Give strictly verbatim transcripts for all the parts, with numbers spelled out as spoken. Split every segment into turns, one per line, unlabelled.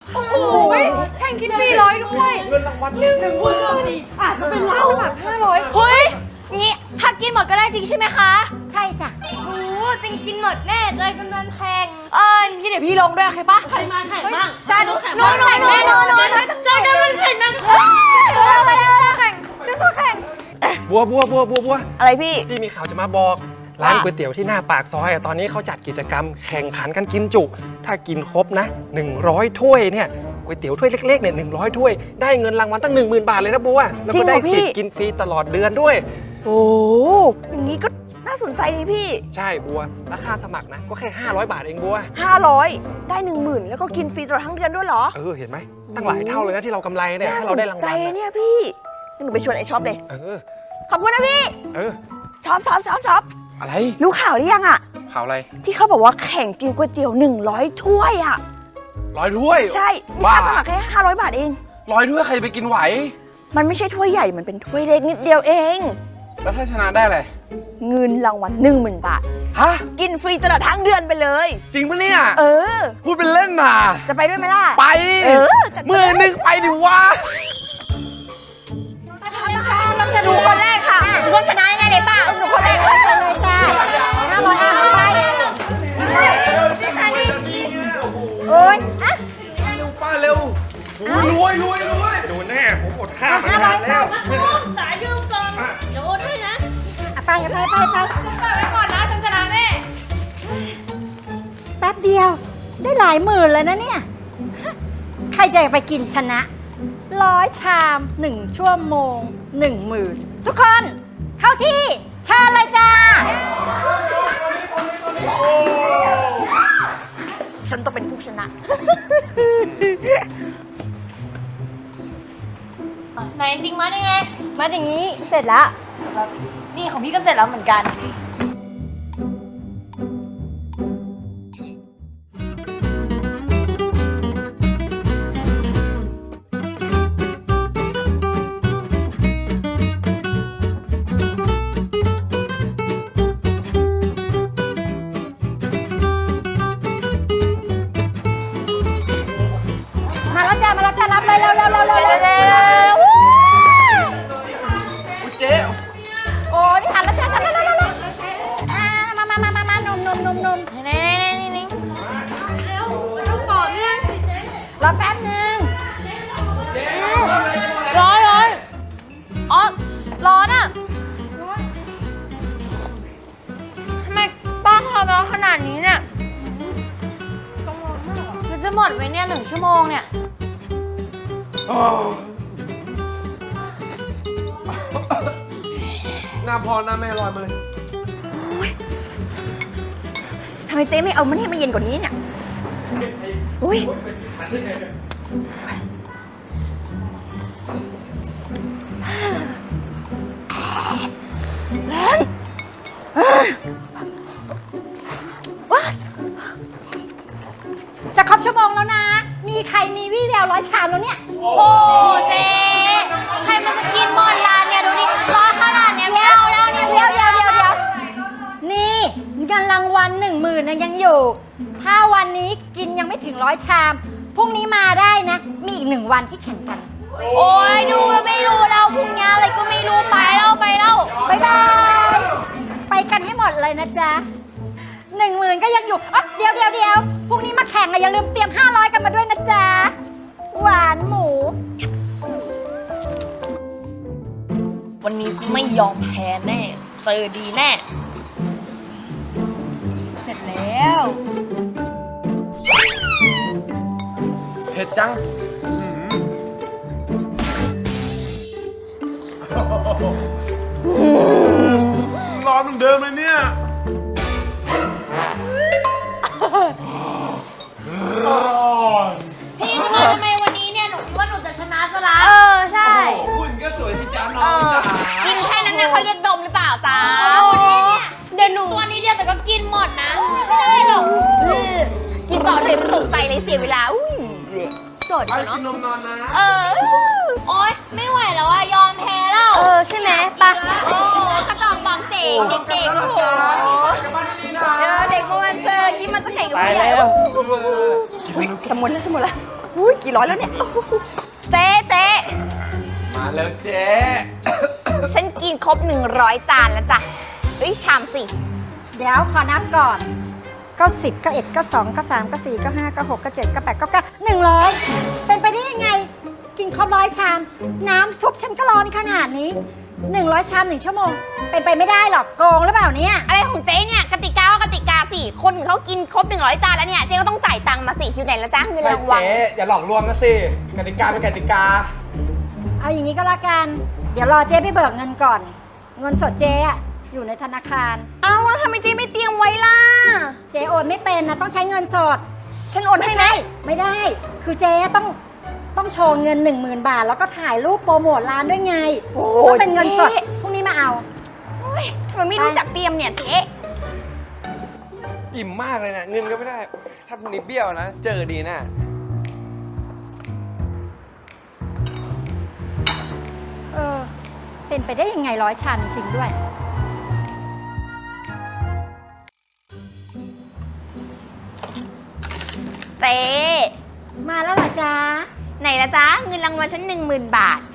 โอ้โหแข่งกินฟรีร้อยด้วยเงินรางวัลหนึ่งหนึ่งหมื่นอาจจะเป็นเราหลักห้าร้อยเฮ้ยนี่ถ้ากินหมดก็ได้จริงใช่ไหมคะใช่จ้ะโอ้จริงกินหมดแน่เลยเป็นวันแข่งเออพี่เดี๋ยวพี่ลงด้วยโอเคปะใครมาแข่งบ้างฉันแข่งน้องน้องแน่นอนเลยเจอกันวันแข่งนะเราไปแล้วเราแข่งจะตัวแข่ง
บัวบัวบัวบัวบัว
อะไรพี่
พี่มีข่าวจะมาบอกร้านก๋วยเตี๋ยวที่หน้าปากซอยตอนนี้เขาจัดกิจกรรมแข่งขันกันกินจุถ้ากินครบนะหนึ่งร้อยถ้วยเนี่ยก๋วยเตี๋ยวถ้วยเล็กๆเนี่ยหนึ่งร้อยถ้วยได้เงินรางวัลตั้ง หนึ่งหมื่น บาทเลยนะบัวแล้วก็ได้สิทธิ์กินฟรีตลอดเดือนด้วย
โอ้อย่างนี้ก็น่าสนใจนี่พี่
ใช่บัวราคาสมัครนะก็แค่ห้าร้อยบาทเองบัว
ห้าร้อยได้ หนึ่งหมื่น แล้วก็กินฟรีตลอดทั้งเดือนด้วยเหรอ
เออเห็นไหมตั้งหลายเท่าเลยนะที่เรากำไรเนี่ยถ้าเราได้รางวัล
น่าสนใจเนี่ยพี่หนูไปชวนไอ้ช็อปเลย
เออ
ขอบคุณนะพี่
เออ
ช็อปช็อปช็อปช็อป
อะไร
รู้ข่าวหรือยังอะ
ข่าวอะไร
ที่เขาบอกว่าแข่งกินก๋วยเตี๋ยวหนึ่งร้อยถ้วยอะ
ร้อยถ้วย
ใช่มีค่าสมัครแค่ห้าร้อยบาทเอง
ร้อยถ้วยใครไปกินไหว
มันไม่ใช่ถ้วยใหญ่มันเป็นถ้วยเล็กนิดเดียวเอง
แล้วถ้าชนะได้อะไร
เงินรางวัลหนึ่งหมื่นบาท
ฮะ
กินฟรีตลอดทั้งเดือนไปเลย
จริงปะเนี่ย
เออ
พูดเป็นเล่นน่ะ
จะไปด้วยไหมล่ะ
ไปเออมือหนึ่งไปดิวะ
หนูคนแรกค่ะหนูต้องชนะแน่เลยป้าหนูคนแรกเลยจ้าห้าร้อยห้าร้อยไปโอ๊ยอะ
เร็วป้าเร็วรวยรวยรวยโดนแน่ผมอดข้าวมานานแล้ว
สายยืมก่อนเดี๋ยวโอนให้นะ
ไปไปไปไป
ฉันเปิดไว้ก่อนนะฉันชนะแน่
แป๊บเดียวได้หลายหมื่นเลยนะเนี่ยใครจะไปกินชนะร้อยชามหนึ่งชั่วโมงหนึ่งหมื่นทุกคนเข้าที่เชิญเลยจ้า
ฉันต้องเป็นผู้ชนะ
ไหนจริงมาได้ไง
มาอย่างนี้เสร็จแล้ว
นี่ของพี่ก็เสร็จแล้วเหมือนกัน
มาแล้วจ้ามาแล้วจ้ารับเลยเร็วเร็วเร็วเร็วเร็ว
เจ๊
โอ้ยไม่ทันแล้วจ้าทันแล้วเร็วเร็วเร็วมามามามามานุ่มนุ่มนุ่มนุ่ม
นี่นี่นี่นี่แล้วต้องบอกเนี่ย
รอแป๊บนึง
ร้อนร้อนอ๋อร้อนอ่ะทำไมป้าทำแล้วขนาดนี้เนี่ยต้องร้อนมากอ่ะจะหมดไหมเนี่ยหนึ่งชั่วโมงเนี่ย
หน้าพ่อหน้าแม่ลอยมาเลย
ทำไมเจ๊ไม่เอามันให้มันเย็นกว่านี้เนี่ยอุ้ยร้อน
จะครบชั่วโมงแล้วนะมีใครมีวี่แววร้อยชามแล้วเนี่ย
โอ้เจ๊ใครมันจะกินหมดร้านเนี่ยดูดิร้อนขนาดเนี้ยไม่เอาแล้วเนี่ย
เดี๋ยวเดี๋ยวเดี๋ยวเดี๋ยวนี่เงินรางวัลหนึ่งหมื่นนะยังอยู่ถ้าวันนี้กินยังไม่ถึงร้อยชามพรุ่งนี้มาได้นะมีอีกหนึ่งวันที่แข่งกัน
โอ้ยดูแล้วไม่รู้แล้วพรุ่งนี้อะไรก็ไม่รู้ไปแล้วไปแล้ว
บ๊ายบายไปกันให้หมดเลยนะจ๊ะหนึ่งหมื่นก็ยังอยู่อ๋อเดี๋ยวเดี๋ยวเดี๋ยวพรุ่งนี้มาแข่งนะอย่าลืมเตรียมห้าร้อยกันมาด้วยนะจ๊ะหวานหมู
วันนี้ไม่ยอมแพ้แน่เจอดีแน่
เสร็จแล้ว
เผ็ดจังร้อนเหมือนเดิมเลยเนี่ย
พี่ทำไมทำไมวันนี้เนี่ยหนูว่าหนูจะชนะซะละ
เออใช่
หุ่นก็สวยที่จ้าน้องจ๋า
กินแค่นั้นนะเขาเรียกดมหรือเปล่าจ้า
เดี๋ยวหนูตัวนี้เดียวแต่ก็กินหมดนะไม่ได้หรอก
กินต่อเลยไม่สนใจเลยเสียเวลาอุ้ย
โจทย์เนาะ
กินนมนอนนะ
เออ
โอ๊ยไม่ไหวแล้วอะยอมแพ้แล้ว
เออใช่ไหมปะ
โอ้กระจอกบองเจ๋งเด็กๆโอ้โหเออเด็กเมื่อวันเจอกินมันจะแข่งกับผู้ใหญ่สมุนแล้วสมุนแล้วอุ้ยกี่ร้อยแล้วเนี่ยเจ๊เจ๊
มาแล้วเจ๊
ฉันกินครบหนึ่งร้อยจานแล้วจ้ะเอ้ยชามสิ
เดี๋ยวขอนับก่อน ก็สิบก็เอ็ดก็สองก็สามก็สี่ก็ห้าก็หกก็เจ็ดก็แปดก็เก้าหนึ่งร้อยเป็นไปได้ยังไง กินครบร้อยชาม น้ำซุปฉันก็ร้อนขนาดนี้หนึ่งร้อยชามหนึ่งชั่วโมง เป็นไปไม่ได้หรอกโกงหรือเปล่าเนี่ย
อะไรของเจ๊เนี่ยกติกาก็กติกาสิคนอื่นเขากินครบหนึ่งร้อยจานแล้วเนี่ยเจ๊ก็ต้องจ่ายตังค์มาสิอยู่ไหนละจ้าเงิน
ใช่
รางวัล
เจ๊อย่าหลอกลวงนะสิกติกาเป็นกติกา
เอาอย่างนี้ก็แล้วกัน เดี๋ยวรอเจ๊ไปเบิกเงินก่อน เงินสดเจ๊อะอยู่ในธนาคาร
เอ้าแล้วทำไมเจ๊ไม่เตรียมไว้ล่ะ
เจ๊โอนไม่เป็นนะต้องใช้เงินสด
ฉันโอนให้ไหม
ไม่ได้ คือเจ๊ต้องต้องโชว์เงิน หนึ่งหมื่น บาท แล้วก็ถ่ายรูปโปรโมทร้านด้วยไง
โอ้
ต้องเป็นเงินสด
จ๊
พรุ่งนี้มาเอา
โอ๊ยทำไมไม่รู้จักเตรียมเนี่ยเจ๊
อิ่มมากเลยนะเงินก็ไม่ได้ ถ้าพรุ่งนี้เบี้ยวนะ เจอดีนะ
เออ เป็นไปได้ยังไงร้อยชามจริงๆด้วย
เจ๊
มาแล้วเหรอจ๊ะ
ไหนละจ๊ะเงินรางวัลฉันหนึ่งหมื่นบาท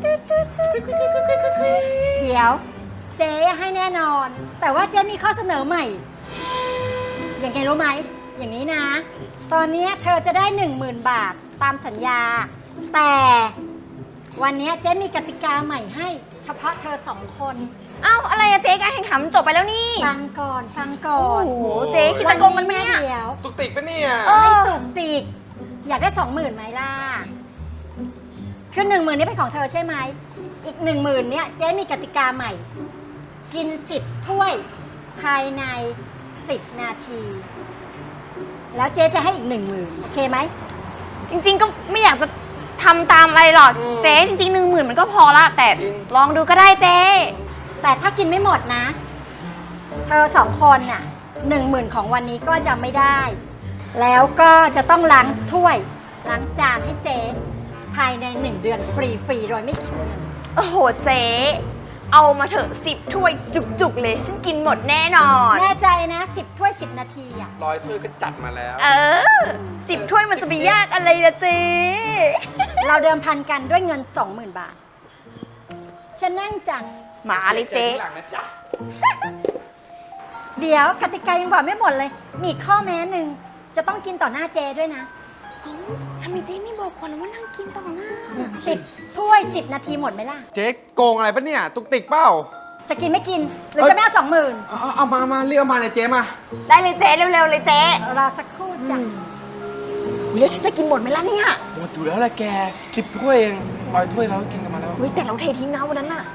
เดี๋ยว เจ๊ให้แน่นอน แต่ว่าเจ๊มีข้อเสนอใหม่ อย่างไงรู้ไหม อย่างนี้นะ ตอนนี้เธอจะได้หนึ่งหมื่นบาทตามสัญญา แต่วันนี้เจ๊มีกติกาใหม่ให้ เฉพาะเธอสองคน
เอ้าอะไรอะเจ๊การแข่งขันมันจบไปแล้วนี่
ฟังก่อน ฟังก่อน
โอ้โหเจ๊คิดจะโกงมันไหมเนี่ย
เดี๋ยว
ตุกติกปะเนี่ย
เออ
ไม่ตุกติก อยากได้สองหมื่นไหมล่ะ คือหนึ่งหมื่นนี้เป็นของเธอใช่ไหม อีกหนึ่งหมื่นเนี่ยเจ๊มีกติกาใหม่ กินสิบถ้วย ภายในสิบนาที แล้วเจ๊จะให้อีกหนึ่งหมื่นโอเคไหม
จริงๆก็ไม่อยากจะทำตามอะไรหรอกเจ๊จริงๆหนึ่งหมื่นมันก็พอละแต่ลองดูก็ได้เจ๊
แต่ถ้ากินไม่หมดนะ เธอสองคนน่ะหนึ่งหมื่นของวันนี้ก็จะไม่ได้ แล้วก็จะต้องล้างถ้วย ล้างจานให้เจ๊ภายในหนึ่งเดือนฟรีๆโดยไม่คิดเงิน
โอ้โหเจ๊เอามาเถอะสิบถ้วยจุกๆเลยฉันกินหมดแน่นอน
แน่ใจนะสิบถ้วยสิบนาทีอ่ะ
ร้อยถ้วยก็จัดมาแล้ว
เออสิบถ้วยมันจะไปยากอะไรละเจ๊
เราเดิมพันกันด้วยเงิน สองหมื่น บาท ฉันนั่งจัง
หมาเลยเจ๊
หลังนะจ๊ะ
เดี๋ยวกติกายังบอกไม่หมดเลย มีอีกข้อแม้หนึ่ง จะต้องกินต่อหน้าเจด้วยนะ
ทำไมเจ๊ไม่บอกคนว่านั่งกินต่อหน้า
สิบถ้วยสิบนาทีหมดไหมล่ะ
เจ๊โกงอะไรปะเนี่ย ตุกติกเปล่า
จะกินไม่กิน หรือจะไม่เอาสองหมื่น
เอาเอาเอามามาเรียกเอามาเลยเจ๊มา
ได้เลยเจ๊เร็วๆเลยเจ๊
รอสักครู่จ้ะ
อุ๊ยแล้วฉันจะกินหมดไหมล่ะเนี่ย
หมดอยู่แล้วแหละแกสิบถ้วยเองร้อยถ้วยเราก็กินกันมาแล้ว
เฮ้ยแต่เราเททิ้งนะวันนั้นน่ะ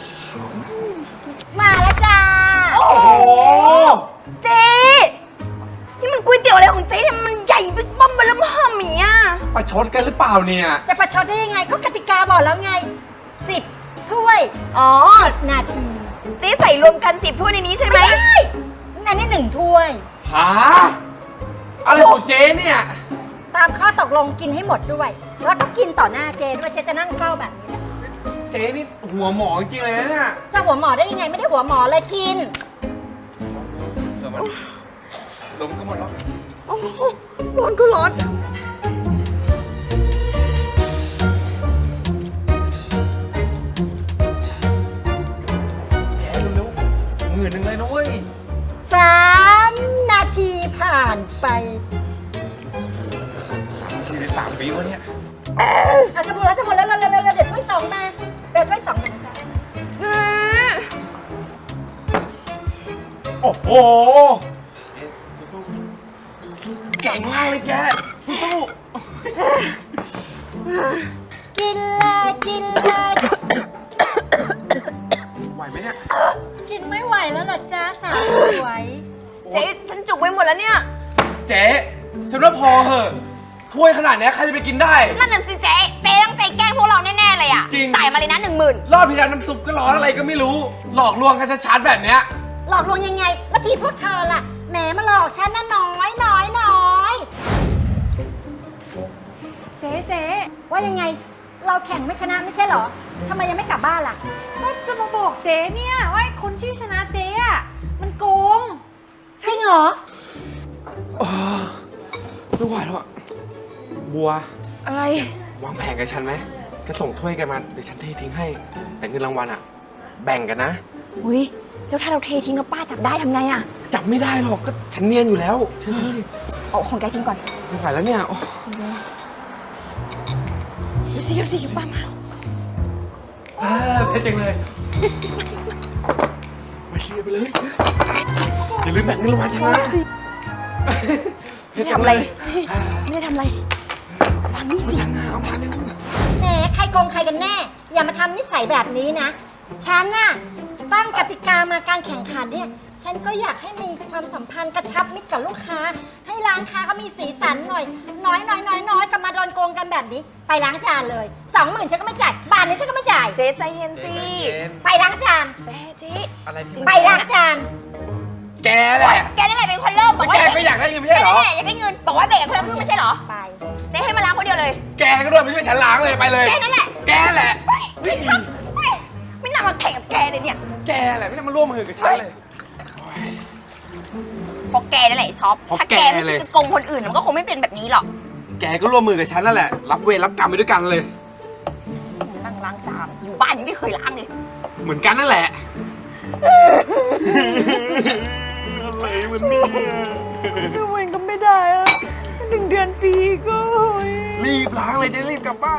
มาแล้วจ้า
โอ้โหเจ๊นี่มันก๋วยเตี๋ยวอะไรของเจ๊เนี่ยมันใหญ่บิ๊กบั้มเบลมห้ามีอ่ะ
ประชดกันหรือเปล่าเนี่ย
จะประชดได้ยังไงก็กติกาบอกแล้วไงสิบถ้วย
อ๋อ
สิบนาที
เจ๊ใส่รวมกันสิบถ้วยในนี้ใช่ไหม
ไม่ได้อันนี้หนึ่งถ้วย
หา อะไรของเจ๊เนี่ย
ตามข้อตกลงกินให้หมดด้วย แล้วก็กินต่อหน้าเจด้วยเจจะนั่งเฝ้าแบบนี้แหละ
เจ๊นี่หัวหมอจริงๆเลยนะเนี่ย
จะหัวหมอได้ยังไงไม่ได้หัวหมอเลยกิน
เดี๋ยวมันลมก็หมดแล้ว
โอ้โหร้อนก็ร้อน
แกเร็วๆหมื่นหนึ่งเลยนะเว้ย
สามนาทีผ่านไป
ทีสามปีวะเนี่ย
อาจะหมดแล้วจะหมดแล้วเร็วๆเร็วๆเดี๋ยวถ้วยสองมาเดี๋ยวถ้วยสองมาจ้ะ
โอ้โหเก่งมากเลยแกสู้
กินเลยกินเลย
ๆไหวไหมเนี่ย
กินไม่ไหวแล้วเหรอจ้าสาวสวย
เจ๊ฉันจุกไปหมดแล้วเนี่ย
เจ๊ฉันว่าพอเหอะถ้วยขนาดเนี้ยใครจะไปกินได้
นั่นน่ะสิเจ๊เจ๊ต้องใจแกล้งพวกเราแน่ๆเลยอ่ะ
จริง
จ่ายมาเลยนะหนึ่งหมื่น
รอบที่แล้วน้ำซุปก็ร้อนอะไรก็ไม่รู้ หลอกลวงกันชัดๆแบบเนี้ย
หลอกลวงยังไงแล้วทีพวกเธอล่ะแหมมาหลอกฉันน่ะน้อยน้อยน้อย
เจ๊เจ๊
ว่ายังไงเราแข่งไม่ชนะไม่ใช่เหรอทำไมยังไม่กลับบ้านล่ะ
ก็จะมาบอกเจ๊เนี่ยว่าไอ้คนที่ชนะเจ๊อะมันโกง
จริงเหรอ
ไม่ไหวแล้วอะบัว
อะไร
วางแผนกับฉันไหมแกส่งถ้วยแกมาเดี๋ยวฉันเททิ้งให้ แต่เงินรางวัลอะแบ่งกันนะ
อุ้ยแล้วถ้าเราเททิ้งแล้วป้าจับได้ทำไงอะ
จับไม่ได้หรอกก็ฉันเนียนอยู่แล้วเชื่อฉันสิ
เอาของแกทิ้งก่อน
ไม่ไหวแล้วเนี่ยโอ้
ดูสิดูสิป้ามา
เท่จังเลยไปเคลียร์ไปเลยอย่าลืมแบ่งเงินรางวัลฉันนะ
ไม่ได้ทำอะไร ไม่ได้ทำอะไรวางนี่สิ
จังเอามาเลย
แหมใครโกงใครกันแน่ อย่ามาทำนิสัยแบบนี้นะ ฉันน่ะตั้งกติกามาการแข่งขันเนี่ย ฉันก็อยากให้มีความสัมพันธ์กระชับมิตรกับลูกค้า ให้ร้านค้าเขามีสีสันหน่อย น้อยน้อยน้อยน้อยก็มาโดนโกงกันแบบนี้ ไปล้างจานเลยสองหมื่นฉันก็ไม่จ่ายบาทนี้ฉันก็ไม่จ่าย
เจ๊ใจเย็นสิ
ไปล้างจาน
แม่เจ๊
อะไรที่
ไปล้างจาน
แกแหละ
แกนี่แหละเป็นคนเริ่มบอกว่า
แกก็อยากได้เงินไม่ใช่เหรอ
แกนี่แหละอยากได้เงิน บอกว่าแบ่งคนละครึ่งไม่ใช่เหรอ
ไป
เจ๊ให้มาล้างคนเดียวเลย
แกก็ด้วยไม่ช่วยฉันล้างเลยไปเลย
แกนั่นแหละ
แกแหละ
ไม่ทำไม่ไม่น่ามาแข่งกับแกเลยเนี่ย
แกแหละไม่ต้องมาร่วมมือกับฉันเลย
เพราะแกนั่นแหละไอ้ช็อป
เพราะ
ถ้าแก
แก
ไม่
เลย
คิดจะโกงคนอื่นมันก็คงไม่เป็นแบบนี้หรอก
แกก็ร่วมมือกับฉันนั่นแหละ รับเวรรับกรรมไปด้วยกันเลย
นั่งล้างจานอยู่บ้านยังไม่เคยล้างเลย
เหมือนกันนั่นแหละ อะไรมันเนี่ย
ทำไมก็ไม่ได้อะหนึ่งเดือนฟรีก็
รีบล้างเลยจะรีบกลับบ้าน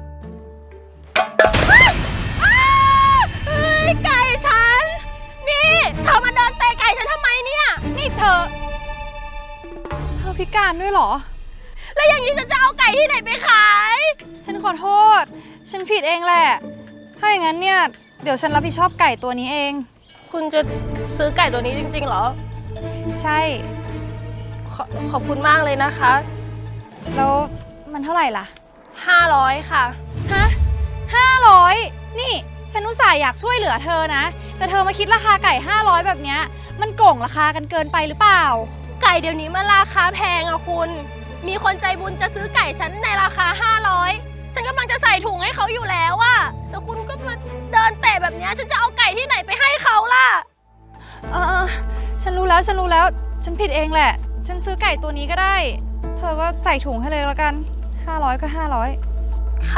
ไก่ฉัน นี่เธอมาเดินเตะไก่ฉันทำไมเนี่ย นี่เธอ เธอพิการด้วยเหรอ แล้วอย่างนี้ฉันจะเอาไก่ที่ไหนไปขาย
ฉันขอโทษ ฉันผิดเองแหละ ถ้าอย่างนั้นเนี่ย เดี๋ยวฉันรับผิดชอบไก่ตัวนี้เอง
คุณจะซื้อไก่ตัวนี้จริงๆเหรอ
ใช่
ขอขอบคุณมากเลยนะคะ
แล้วมันเท่าไหร่ล่ะ
ห้าร้อยค่ะ
ฮะห้าร้อยนี่ ฉันอุตส่าห์อยากช่วยเหลือเธอนะ แต่เธอมาคิดราคาไก่ห้าร้อยแบบเนี้ย มันโก่งราคากันเกินไปหรือเปล่า
ไก่เดี๋ยวนี้มันราคาแพงอะคุณ มีคนใจบุญจะซื้อไก่ฉันในราคาห้าร้อยฉันกำลังจะใส่ถุงให้เขาอยู่แล้วอะแต่คุณก็มาเดินเตะแบบเนี้ยฉันจะเอาไก่ที่ไหนไปให้เขาล่ะ
เออฉันรู้แล้ว ฉันรู้แล้ว ฉันผิดเองแหละ ฉันซื้อไก่ตัวนี้ก็ได้ เธอก็ใส่ถุงให้เลยแล้วกันห้าร้อยก็ห้าร้อย
ค่ะ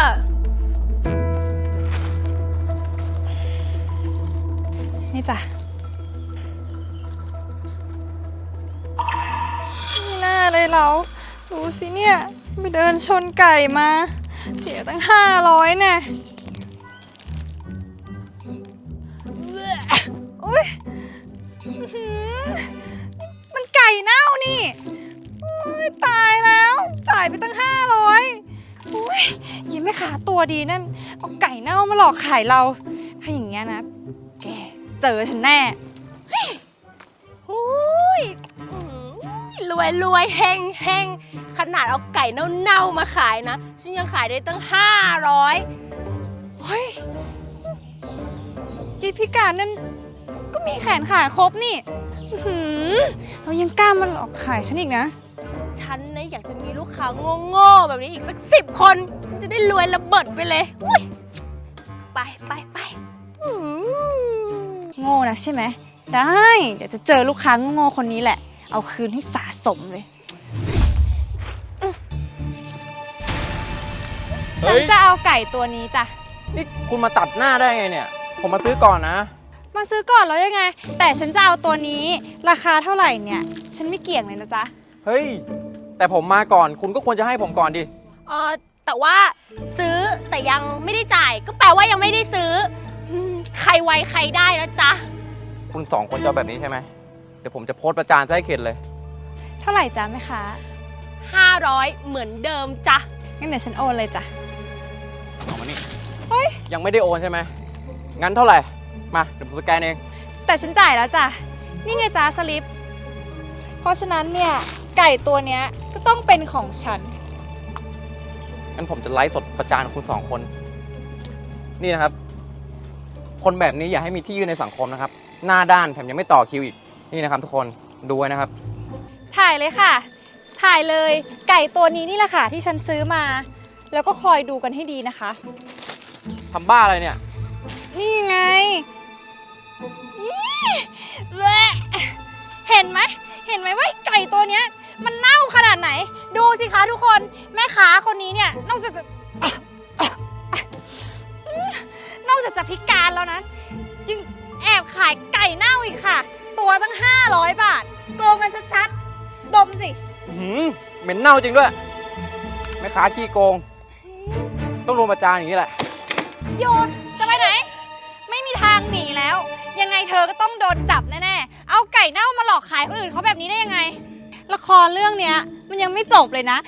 นี่จ้ะไม่น่าเลยเรา ดูสิเนี่ย ไปเดินชนไก่มา เสียตั้งห้าร้อยแน่อุ้ยอื้อหือมันไก่เน่านี่อุ้ยตายแล้ว จ่ายไปตั้งห้าร้อยอุ้ยยิ้มไม่ขาตัวดีนั่น เอาไก่เน่ามาหลอกขายเรา ถ้าอย่างเงี้ยนะ แกเจอฉันแน่
หูยอื้อรวยรวยเฮงเฮงขนาดเอาไก่เน่าๆมาขายนะ ฉันยังขายได้ตั้งห้าร้อย
เฮ้ยยีพิการนั่นก็มีแขนขาครบนี่อื้อหือเรายังกล้ามาหลอกขายฉันอีกนะ
ฉันนะอยากจะมีลูกค้าโง่ๆแบบนี้อีกสักสิบคน ฉันจะได้รวยระเบิดไปเลยอุ้ยไปไปไปอื้อหือ
โง่นะใช่ไหม ได้ เดี๋ยวจะเจอลูกค้าโง่ๆคนนี้แหละ เอาคืนให้สะสมเลย ฉันจะเอาไก่ตัวนี้จ้ะ
นี่คุณมาตัดหน้าได้ไงเนี่ย ผมมาซื้อก่อนนะ
มาซื้อก่อนแล้วยังไง แต่ฉันจะเอาตัวนี้ ราคาเท่าไหร่เนี่ย ฉันไม่เกี่ยงเลยนะจ๊ะ
เฮ้ย แต่ผมมาก่อน คุณก็ควรจะให้ผมก่อนดิ
เออแต่ว่าซื้อแต่ยังไม่ได้จ่าย ก็แปลว่ายังไม่ได้ซื้ออืมใครไวใครได้นะจ๊ะ
คุณสองคนจะเอาแบบนี้ใช่ไหม เดี๋ยวผมจะโพสต์ประจานซะให้เข็ดเลย
เท่าไหร่จ๊ะแม่ค้า
ห้าร้อยเหมือนเดิมจ้ะ
งั้นเดี๋ยวฉันโอนเลยจ้ะ
เอามานี่
เฮ้ย
ยังไม่ได้โอนใช่ไหม งั้นเท่าไหร่ มา เดี๋ยวผมสแกนเอง
แต่ฉันจ่ายแล้วจ้ะ นี่ไงจ้าสลิป เพราะฉะนั้นเนี่ย ไก่ตัวเนี้ยก็ต้องเป็นของฉัน
งั้นผมจะไลฟ์สดประจานคุณสองคน นี่นะครับ คนแบบนี้อย่าให้มีที่ยืนในสังคมนะครับ หน้าด้านแถมยังไม่ต่อคิวอีก นี่นะครับทุกคน ดูไว้นะครับ
ถ่ายเลยค่ะ ถ่ายเลย ไก่ตัวนี้นี่แหละค่ะที่ฉันซื้อมา แล้วก็คอยดูกันให้ดีนะคะ
ทำบ้าอะไรเนี่ย
นี่ไงนี่แหละเห็นไหม เห็นไหมว่าไก่ตัวเนี้ยมันเน่าขนาดไหน ดูสิคะทุกคน แม่ค้าคนนี้เนี่ยนอกจากจะ นอกจากจะพิการแล้วนะยังแอบขายไก่เน่าอีกค่ะ ตัวตั้งห้าร้อยบาทโกงกันชัดๆดมสิ
อื้อหือเหม็นเน่าจริงด้วยแม่ค้าขี้โกง ต้องโดนประจานอย่างนี้แหละ
โยนจะไปไหน ไม่มีทางหนีแล้ว ยังไงเธอก็ต้องโดนจับแน่ๆ เอาไก่เน่ามาหลอกขายคนอื่นเขาแบบนี้ได้ยังไง ละครเรื่องเนี้ยมันยังไม่จบเลยนะ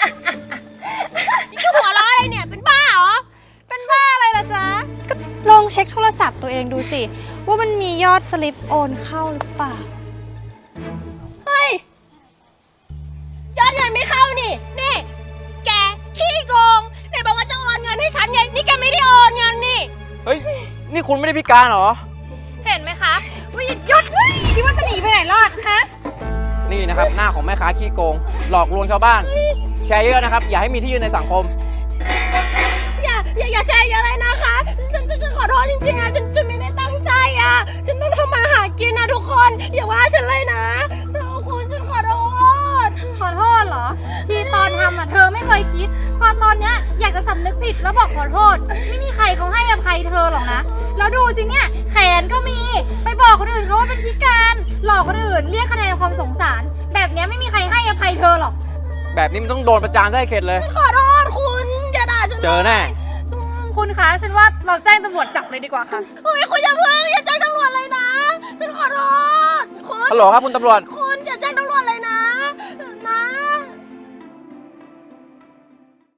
นี่หัวเราะอะไรเนี่ย เป็นบ้าเหรอ
เป็นบ้าอะไรล่ะจ๊ะ ก็ลองเช็คโทรศัพท์ตัวเองดูสิ ว่ามันมียอดสลิปโอนเข้าหรือเปล่า
เฮ้ย ยอดเงินไม่เข้านี่ นี่ แกขี้โกงไหนบอกว่าจะโอนเงินให้ฉันไง นี่แกไม่ได้โอนเงินนี่
เฮ้ย นี่คุณไม่ได้พิการเหรอ
เห็นไหมคะว่าหยุด
หยุดคิดว่าจะหนีไปไหนรอดฮะ
นี่นะครับหน้าของแม่ค้าขี้โกง หลอกลวงชาวบ้าน แชร์เยอะนะครับ อย่าให้มีที่ยืนในสังคม
อย่าอย่าอย่าแชร์เยอะเลยนะคะ ฉันฉันฉันขอโทษจริงๆอะฉันฉันไม่ได้ตั้งใจอะฉันต้องทำมาหากินนะทุกคน อย่าว่าฉันเลยนะเธอคุณฉันขอโทษ
ขอโทษเหรอ ที่ตอนทำอ่ะเธอไม่เคยคิด พอตอนเนี้ยอยากจะสำนึกผิดแล้วบอกขอโทษ ไม่มีใครเขาให้อภัยเธอหรอกนะ แล้วดูสิเนี่ยแขนก็มี ไปบอกคนอื่นเขาว่าเป็นพิการ หลอกคนอื่นเรียกคะแนนความสงสาร แบบเนี้ยไม่มีใครให้อภัยเธอหรอก
แบบนี้มันต้องโดนประจานได้เข็ดเลย
ขอโทษคุณอย่าด่าฉัน
เจอแน่
คุณคะฉันว่าเราแจ้งตำรวจจับเลยดีกว่าค่ะ
เฮ้ยคุณอย่าเพิ่งอย่าแจ้งตำรวจเลยนะ ฉันขอโทษคุณ
ฮัลโหลครับคุณตำรวจ
คุ